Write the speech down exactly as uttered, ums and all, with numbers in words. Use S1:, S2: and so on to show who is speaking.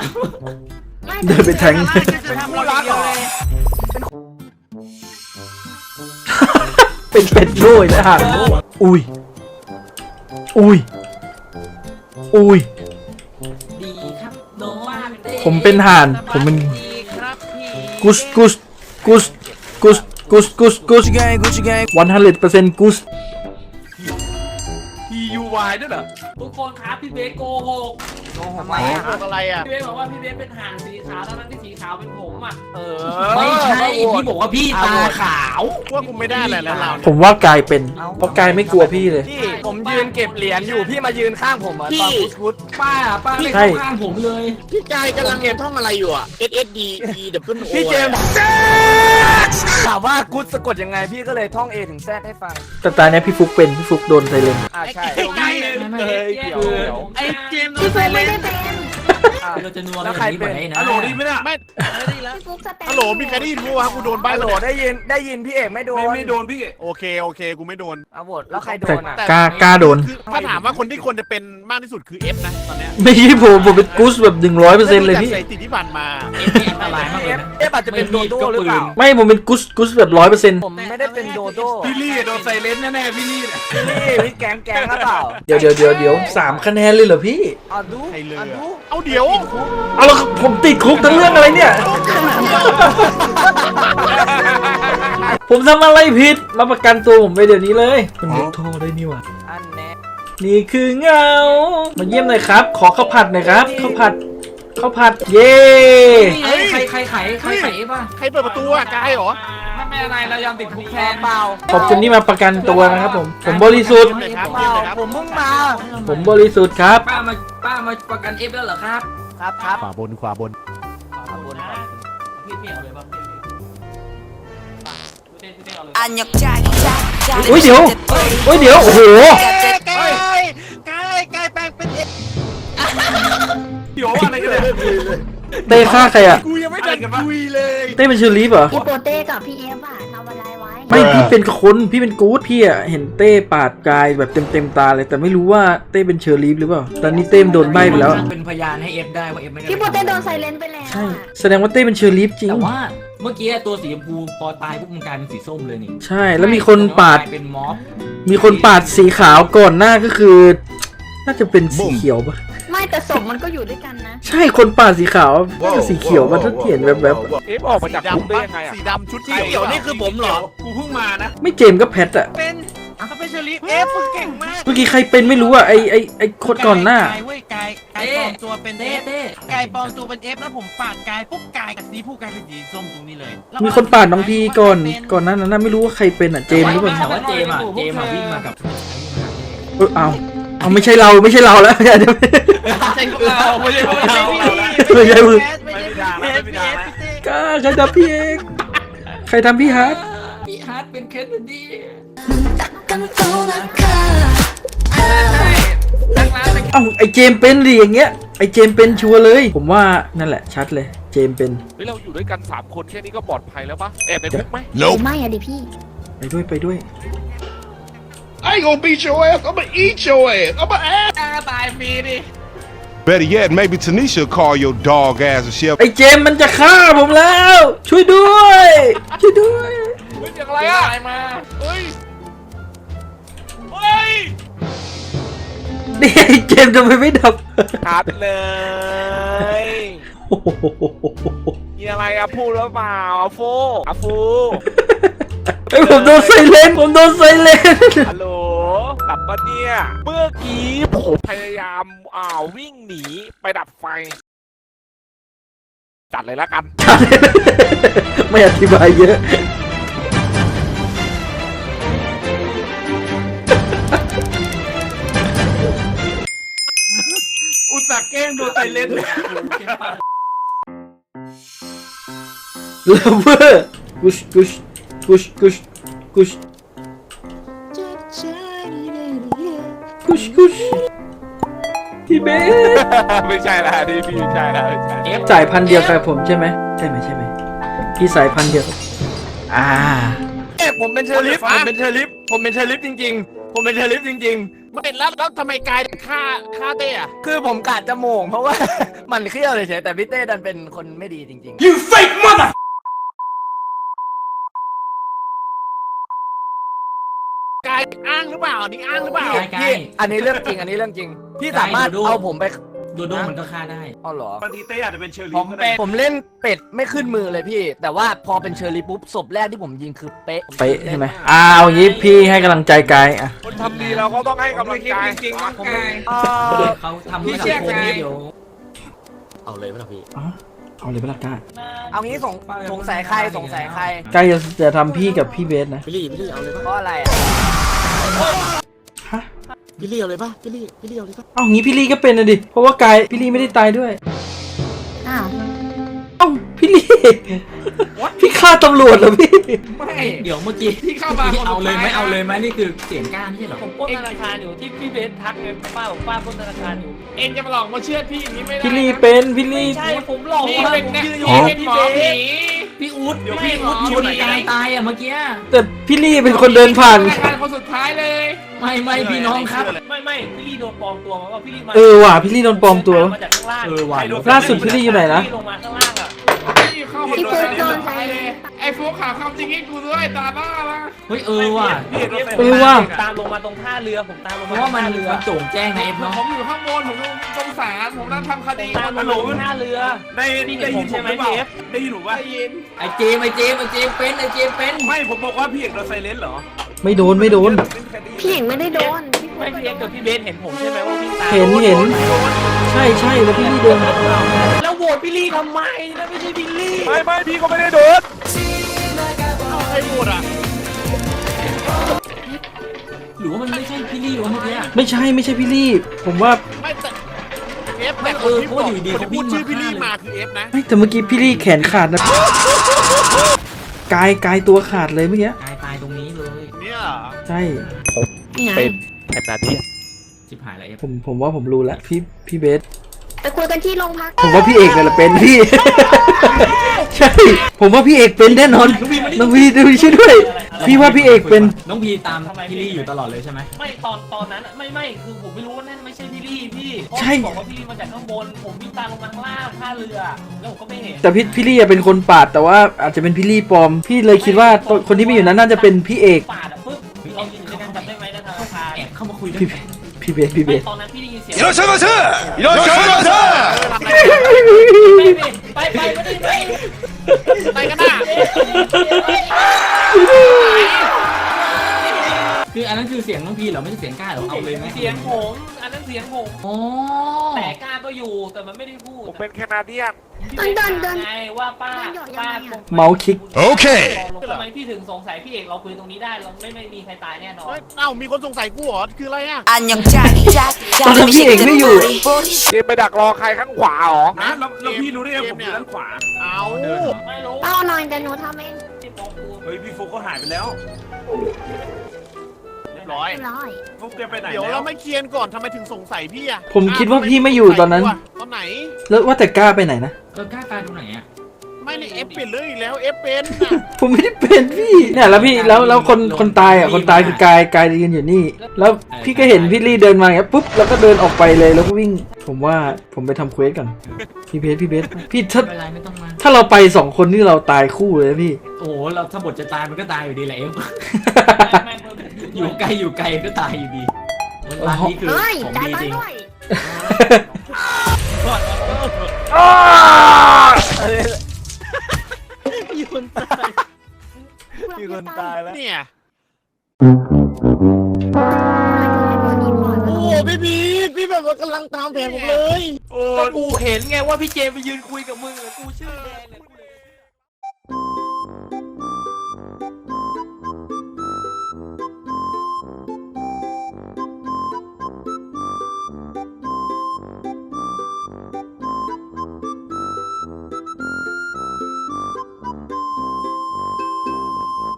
S1: เดินไปแทง
S2: เป็นผู้รักเหรอ
S1: เป็นเป็ดโง่นะฮะอุ้ยอุ้ยอุ้ย
S3: ดีครับน้องว่าเต้
S1: ผมเป็นห่านผมเป็น
S3: ดีครับพี่
S1: กุสกุสกุสกุสกุสกุสกุสวันฮันเลดเปอร์เซ็นต์กุส
S2: ทียูวายด้วยเหรอ
S3: ทุกคนครับพี่เบสโกหก
S2: ทำไมอะไรอ่ะ
S3: พี่เบสบอกว่าพี่เบสเป็นห่านสีขาวทั้งที่สีขาวเป็นผมอ่ะ
S2: เออ
S3: ไม่ใช่พี่บอกว่าพี่ตาขาว
S2: ว่ากูไม่ได้อะไรแล้วเรา
S1: ผมว่ากายเป็นเพราะกายไม่กลัวพี่เลย
S2: พี่ผมยืนเก็บเหรียญอยู่พี่มายืนข้างผมอ่ะตอนพุทพุท
S3: ป้าป้าไม่
S1: ใช่
S3: เข้าข้างผมเลย
S4: พี่กายกำลังเรียนท่องอะไรอยู่อ่ะ S S D E W O
S2: พี่เจมส์ถามว่ากูสะกดยังไงพี่ก็เลยท่อง A ถึง Z ให้ฟัง
S1: แต่ตาเนี้ยพี่ฟุกเป็นพี่ฟุกโดนไซเลน
S2: อ่าใช่
S3: ไม่ไม่
S2: เฮ้ยเดี๋ยวเดี๋ยว
S4: ไอ้เจมส์
S5: พี่ฟุกไม่ได้เป็น
S3: เราจะนัว
S2: แล้
S3: กั
S2: วน ใคร
S3: นี้
S2: เป็
S3: ไป
S2: น
S3: ไหนนะ
S2: ฮัลโหลดีไหมเนี่ย
S4: ไม่
S5: พี่ฟุกสแตน
S4: ฮัลโหลมีใครได้ยินมั้ยวะกูโดนใบ้
S2: ฮัลโหล
S4: เลย
S2: ได้ยินได้ยินพี่เอกไม่โดน
S6: ไม่โดนพี่
S4: โอเคโอเคกูไม่โดน
S2: เอาโหวตแล้วใครโด
S1: แต่
S2: นอ่ะ
S1: กล้ากล้าโดน
S4: คือถ้าถามว่าคนที่ควรจะเป็นมากที่สุดคือ F นะตอนเนี้ย
S1: ไม่ใช่ผมผมเป็นกุสแบบหนึ่งร้อยเปอร์เซ็นต์เลยพี่
S4: จากสถิติที่ผ่านมา
S3: เอฟนี่อันตรายมากเลยนะ
S2: เอ๊ะอาจจะเป็นโดโด้หรือเปล่า
S1: ไม่ผมเป็นกุสกุสแบบร้อยเปอร์เซ็นต์
S2: ผมไม่ได้เป็นโดโด้
S6: พี่ลี่โดนไซเลนแน่ๆพี่ลี่เนี่ย
S2: พี่พี่แกงแกงหรือเปล่า
S1: เดี๋ยวเดี๋ยวเดี๋ยวเดี๋ยวสามคะแนนเลยเหรอพี่
S2: อ่ะดู
S4: ใครเลย
S2: อ่ะ
S4: อะ
S2: ดู
S4: เอาเดี๋ยว
S1: เอาแล้วผมติดคุกทั้งเรื่องอะไรเนี่ย ผมทำอะไรผิดมาประกันตัวผมไปเดี๋ยวนี้เลยมันยกโทษได้นี่หว่า
S2: อันแน่
S1: นี่คือเงามาเยี่ยมหน่อยครับ ขอข้าวผัดหน่อยครับข้าวผัดข้าวผัดเย้
S3: นี่ไงใครใครไขใครไขป่ะ
S4: ใครเปิดประตูอะกายเหรอ
S3: ไม่เป็นอะไรเรายอมติดคุกแทน
S2: เปล่า
S1: ขอบคุณที่มาประกันตัวนะครับผมผมบริสุทธิ์
S4: เลยครับ
S2: เปล่าผมเพิ่งมา
S1: ผมบริสุทธิ์ครับ
S3: ป้ามาป้ามาประกันเอฟแล้วเหรอครับ
S2: ครับครับ
S4: ขวาบนขวาบน
S3: ขอบคุณนะพี่เมียเอาเลยป่ะพี่เต้นเอาเลย
S7: อันยกใจใจใจ
S1: อุ้ยเดี๋ยวอุ้ยเดี๋ยวโอ้โห
S4: กายกายกายแปลงเป็น F
S6: เดี๋ยวอะไรกันเนี่ย
S1: เต้ฆ่าใครอ่ะ
S4: กูยังไม่ทันคุยเลย
S1: เต้เป็นเชอร์ลีฟเหรอ
S5: พี่โปเต้กับพี่เอฟอะทำอะไรไว้
S1: ไม่พี่เป็นคนพี่เป็นกู๊ดพี่อ่ะเห็นเต้ปาดกายแบบเต็มเต็มๆตาเลยแต่ไม่รู้ว่าเต้เป็นเชอร์ลีฟหรือเปล่าตอนนี้เต้มโดนใบ้ไปแล้ว
S3: เป็นพยานให้เอฟได้ว่าเอฟไม่ได้
S5: พี่โปเต้โดนไซเลนไปแล้ว
S1: ใช่
S5: อะ
S1: แสดงว่าเต้เป็นเชอร์ลีฟจริง
S3: แต่ว่าเมื่อกี้ตัวสีชมพูพอตายปุ๊บมันกลายเป็นสีส้มเลยนี่
S1: ใช่แล้วมีคนปาด
S3: กลยเป็นม็อบ
S1: มีคนปาดสีขาวก่อนหน้าก็คือ น่าจะเป็นสีเขียวปะ
S5: ไม่แต่ศพมันก็อยู่ด้วยกันนะ
S1: ใช่คนปาดสีขาวน่าจะสีเขียวมันถ้าเห็นแบบแบบ
S6: เอฟออกมาจากคุกได้ยังไงอ่ะ
S4: สีดำชุดสีเขียวนี่คือผมเหรอ
S6: กูเพิ่งมานะ
S1: ไม่เจมส์ก็แพทอะ
S4: เป็นเขาเป็นเชอรี่ F เก่งมาก
S1: เมื่อกี้ใครเป็นไม่รู้อะไอไอไอคนก่อนหน้า
S8: กายเว้ยกายกายปลอมตัวเป็น
S3: เต้
S8: F
S3: เต้
S8: กายปลอมตัวเป็น F แล้วผมปาดกายปุ๊บกายกับสีผู้กลายเป็นสีส้มตรงนี้เลยแล้ว
S1: มีคนปาดน้องพีก่อนก่อนหนั้นนะไม่รู้ว่าใครเป็นอะเจมส์หรือเปล่า
S3: แต่ว่าเจมส์อะเจมส์อะวิ่งมากับ
S1: เออเอาเอาไม่ใช่เราไม่ใช่เราแล้ว ไม่ใช่
S6: ใช่พวกเราไม่ใช่พวกเรา
S1: ไม่ใช่มึง
S4: ไม่ใช่
S6: ไม่ได้ไม่ได้ไม่ได้นะ
S1: กล้าใครทำพี่เอกใครทำพี่ฮาร์ด
S3: พี่ฮาร์ดเป็นเคสดี
S7: กันโตนะคะ
S3: ตั้งร้านแต่
S1: เอ้าไอเจมส์เป็นดิอย่างเงี้ยไอเจมส์เป็นชัวร์เลย ผมว่านั่นแหละชัดเลยเจมส์เป็น
S6: เฮ้ยเราอยู่ด้วยกันสามคนแค่นี้ก็ปลอดภัยแล้วปะแอบในคุกไหม
S5: ไม่อะดิพี่
S1: ไปด้วยไปด้วย
S9: I ain't gonna beat your ass. I'm gonna eat your ass. I'm gonna ass.
S3: ตายฟรีดิ
S9: Better yet, maybe Tanisha will call your dog ass and she'll.
S1: ไอเจมส์มันจะฆ่าผมแล้ว ช่วยด้วย ช่วยด้วย
S6: เฮ้ยอย่างไรอ่ะมาเฮ้ยเฮ้ย
S1: นี่ไอเจมส์ทำไมไม่ดับ
S2: ชัดเลย
S1: โอ้โห
S2: มีอะไรอะพูดหรือเปล่าอะฟูอะฟู
S1: ไอยผมโดนไซเลนผมโดนไซเลน
S2: ฮัลโหลกลับมาเนี่ย เมื่อกี้ผมพยายามอ่าววิ่งหนีไปดับไฟ จัดเลยแล้วกัน
S1: ไม่อธิบายเยอะ
S6: อุตส่าห์แกล้งโดนไซเลน
S1: เลเวอร์กุชกุชกุชกุชกุชกุชกุชพี่เบส
S6: ไม่ใช่ละนี่พี่ไม่ใช่ละไม่ใช่
S3: เอฟ
S1: สายพันธุ์เดียวกับผมใช่ไหมใช่ไหมใช่ไหมพี่สายพันธุ์เดียวกับอ่า
S2: เอ๊ะผมเป็นเชอริฟผมเป็นเชอริฟผมเป็นเชอริฟจริงๆ ผมเป็นเชอริฟจริง
S4: ไม่แล้วแล้วทำไมกายถึงฆ่าฆ่าเต้อะ
S10: คือผมกะจะโมงเพราะว่า มันเขี้ยวเฉยๆแต่พี่เต้ดันเป็นคนไม่ดีจริง
S9: You fake mother!
S4: กายอ้างหรือเปล่าอันนี้อ้างหรือเปล่า
S10: ๆพี่อันนี้เรื่องจริงอันนี้เรื่องจริงพี่สามารถเอาผมไป
S3: โดโดมันก็ฆ่าได้
S10: เอาเหรอบ
S6: างทีเต้อาจจะเป็นเชอร์
S4: ผ
S6: รี่
S4: ม
S6: ก็
S4: เป็
S6: ได้
S4: น
S10: ผมเล่นเป็ดไม่ขึ้นมือเลยพี่ แต่ว่าพอเป็นเชอร์รี่ปุ๊บศพแรกที่ผมยิงคือเป๊ะ
S1: เป๊ะใช่ไหมอ่าเอางี้พี่ให้กำลังใจกายอ่ะ
S2: คนทำดีเราก็ต้องให้กำลังใจ
S6: จริงๆน้องกาย
S10: เอ่อ
S3: เขาทำ
S10: พี่
S3: ให้
S10: เชื่
S3: สั
S10: อ
S3: งคม
S10: ไง
S3: เดี๋ยว
S4: เอาเลยไหมล่ะพี่
S1: อ๋อเอาเลยเปะล่ากาย
S10: เอางี้สงสงสัยใครสงสัยใคร
S1: กายจะจะทำพี่กับพี่เบสนะ
S4: พี่ลี่พี่ลี่เอาเลยปะ
S10: เพราะอะไรอ่ะ
S1: ฮะ
S4: พี่ลี่เอาเลยปะพี่ลี่พี่ลี่เอาเลยปะ
S1: เอางี้พี่ลี่ก็เป็นนะดิเพราะว่ากายพี่ลี่ไม่ได้ตายด้วย
S5: อ้าว
S1: เอ้าพี่ลี่พี่ฆ่าตำรวจเหรอพี่
S6: ไม่
S3: เดี๋ยวเมื่อกี้
S6: ที่เข้ามาคน
S3: เอาเลยไหม
S6: สุดท้าย
S3: เอาเลยไหมนี่คือเสียงกล้าไม่ใช่เหรอ
S8: ผมปล้นธนาคารอยู่ที่พี่เบสทักไงป้าบอกป้าปล้นธนาคารอยู่
S6: เอ็นจะมาหลอกมาเชื่อพี่อย่างนี้ไม่ได้
S1: พี่ลี่เป็นพี่ลี่
S8: ใช่ผมหลอก
S6: พี่
S8: ว่า
S6: เป็น
S8: ผม
S6: เนี่ย
S8: ยืนอยู่
S6: พี่
S8: ให้
S6: เป็น
S8: พี่
S6: หม
S8: เบ
S6: อผี
S8: ส
S3: พี่อู๊ด
S6: เดี๋ยว
S3: ไม่
S6: พี่
S3: อู๊ด
S6: หมอ
S3: ชนกายตายอ่ะเมื่อกี้
S1: แต่พี่ลี่เป็นคนเดินผ่าน
S6: ธนาคารคนสุดท้ายเลย
S3: ไม่ไม่พี่น้องครับ
S8: ไม่ไม่พี่ลี่โดนปลอมตัวมาว่าพี่ลี่มา
S1: เออว่ะพี่ลี่โดนปลอมตัว
S8: มาจากข้างล่าง
S3: เออว่ะ
S1: ล่าสุดพี่ลี่อยู่ไหนนะ
S8: พี่ลงมาข้างล่างอ่ะ
S6: พี่เข้า
S5: พี่
S6: โด
S5: ฟุ
S6: น
S5: ก
S6: เล
S5: โดน
S6: ย
S5: ไซเลน
S6: ไอ้ฟุกข่าวความจริงให้กูด้วยตาหน้าละ
S3: เฮ้ยเออว่ะ
S6: พี่โดน
S1: เออว่ะ
S8: ตามลงมาตรงท่าเรือผมตามลง
S3: เพ
S8: มา
S3: ราะว่ามัน
S8: ท่าเรือ
S3: มันโจ่งแจ้งในเอฟเนาะ
S6: ผมอยู่ข้างบนผมสงสารผมนั่งทำคดี
S8: ตามล
S6: ฮัล
S8: ง
S6: โหล
S8: มาท่าเรือ
S6: ได้
S8: พี่เห็
S6: ได้
S8: นผ
S6: ยิ
S8: ม
S6: นผ
S8: ใช่
S6: ม
S8: ไห
S6: ห
S8: ม
S6: รือเปล่า
S8: พี่เอฟ
S6: ได้ยินหรือว่าได้ยิน
S3: ไอเจมส์ไอเจมส์ไอเจมส์เป็นไอเจมส์เป็น
S6: ไม่ผมบอกว่าพี่เอกโดนไซเลนเหรอ
S1: ไม่โดนไม่โดน
S5: พี่หญิงไม่ได้โดน
S8: ไม่พี่เอฟกับพี่เบสเห็นผมใช่ไหมว่าพี่ตาม
S1: เห็นเห็นใช่ใช่แล้วพี่ลี่เดิน
S8: แล้วโหวตพี่ลี่ทำไมแล้วไม่ใช่พี่ลี่
S2: ไม่ไม่พี่ก็ไม่ได้โดน
S4: ใครพูดอ่ะ
S3: หรือว่ามันไม่ใช่พี่ลี่วะเมื่อกี้
S1: ไม่ใช่ไม่ใช่พี่ลี่ ผมว่า
S4: ไม่แต่เอฟ
S3: ไม่
S4: แต่
S3: เอ
S4: คน
S3: อ
S4: ที่
S3: เพ
S4: บ
S3: ราะ
S4: อก
S3: ว่าอยู่ดี
S4: คน
S3: เขา
S4: ที่พู
S3: วิ่
S4: ด
S3: ง
S4: ชื่อพี่
S3: มา
S4: ลี่
S3: ฆ่า
S4: มา
S3: เลย
S4: คือเอฟนะ
S1: ไม่แต่เมื่อกี้พี่ลี่แขนขาดนะกายกายตัวขาดเลยเมื่อกี้
S3: กายตายตรงนี้เลย
S4: เนี่ย
S1: ใช่
S5: นี่ไง
S2: เป็นแอบนาที
S3: ชิบหายแล้วเอฟ
S1: ผมผมว่าผมรู้แล้วพี่พี่เบส
S5: ไปคุยกันที่โรงพัก
S1: ผมว่าพี่เอกเนี่ยแหละเป็นพี่ ใช่ ผมว่าพี่เอกเป็นแน่นอนน้องพีดูช่วยด้วย พี่ว่าพี่เอกเป็น
S3: น้องพีตามพี่ลี่อยู่ตลอดเลยใช่ไหม
S8: ไม่ตอนตอนนั้นอะไม่ไม่คือผมไม่รู้ว่านั่นไม่ใช่พี่ลี่พี่เพราะ
S1: ใช่
S8: บอกว่าพี่ลี่มาจากข้างบนผมวิ่งตามลงมาข้างล่างท่าเรือแล้วผมก็ไม่เห็น
S1: แต่พี่พี่ลี่อะเป็นคนปาดแต่ว่าอาจจะเป็นพี่ลี่ปลอม พี่เลยคิดว่าตัวคนที่ไม่อยู่นั้นน่าจะเป็นพี่เอก
S8: ปาดอะปึ๊บเรายืนอยู่ด้วยกันจำได้ไหมนะธนาคาร
S3: แอบเข้ามาคุยด้วย
S1: พี่พี่เบสพี่เบ
S8: ไม่
S1: ส
S8: ตอนนั้นพี่ได้ยินเสียง
S9: いらっしゃいませいらっしゃいませ
S8: ไปไปไปไม่ได้ไป
S4: ไปกันน่ะ
S3: คืออันนั้นคือเสียงน้องพีเหรอไม่ใช่เสียงกล้าเหรอเอาเลยไหม
S8: เสียงผมอันนั้นเสียงผม
S3: อ๋อ
S8: แต่กล้าก็อยู่แต่มันไม่ได้พูด
S2: ผมเป็นแคนาเดียน
S8: พี่เดินเดินไงว่าป้าป้า
S1: เมาส์คลิก
S9: Okay
S8: ทำไมพี่ถึงสงสัยพี่เอกเราคุยตรงนี้ได้เราไม่ไม่มีใครตายแน่นอน
S4: เฮ้ยเอ้ามีคนสงสัยกูเหรอคืออะไรอ่ะ
S7: 안녕 짝이 짝이
S1: ตอนนั้นพี่เอกไม่อยู่
S7: 짝이
S2: เกมไปดักรอใครข้างขวาเหรอ
S6: นะแล้วแล้วพี่รู้ได้ไงผมอยู่ด้านขวา
S4: เอา
S8: ไม่รู้
S5: เอาหน่อยแต่หนูทำเอง
S8: ที่มองกู
S6: เฮ้ยพี่ฟุกก็หายไปแล้ว
S4: เรียบร้อย
S5: เรียบร้อย
S6: ฟุกแกไปไหน
S4: เดี๋ยว
S6: แล้
S4: เรา
S6: ว
S4: ไม่เคลียร์ก่อนทำไมถึงสงสัยพี่อ่ะ
S1: ผมคิดว่าพี่ไม่อยู่ตอนนั้น
S4: ตอนไหน
S1: แล้วว่าแต่กล้าไปไหนนะ
S3: เออกล้าตายตรงไหนอ่ะ
S4: ไม่ในเอฟเป็นเรื่องอีกแล้วเอฟเป็นน่ะ
S1: ผมไม่ได้เป็นพี่เนี่ยแล้วพี่แล้วแล้วคนคนตายอ่ะคนตายคือกายกายยืนอยู่นี่ แล้วพี่ก็เห็นพี่ลี่เดินมาอย่างเงี้ยปุ๊บแล้วก็เดินออกไปเลยแล้วก็วิ่ง ผมว่าผมไปทำเควสก่อนพี่เบสพี่เบสพี่ถ้า
S3: ไม่เป็นไรไม่ต้องมา
S1: ถ้าเราไปสองคนนี่เราตายคู่เลยนะพี่
S3: โอ้โหเราถ้าบทจะตายมันก็ตายอยู่ดีแหละเอฟ
S8: แม่งเพิ่ม
S3: อยู่ไกลอยู่ไกลก็ตายอยู่ดีร้านนี้คือ
S5: เฮ้ย
S3: ของ
S5: จ่าย
S3: ดี
S5: ตัง
S3: จริง
S5: ค์ด้วย
S10: มีคนตายมีคนตายแล้ว
S4: เนี่ย
S5: ตัวนี้ปล่อย
S4: โอ้โหพี่พีทพี่แบบว่ากำลังตามแผนผมเลย
S8: ก็กูเห็นไงว่าพี่เจมไปยืนคุยกับมึงอะกูชื่อแดงเลย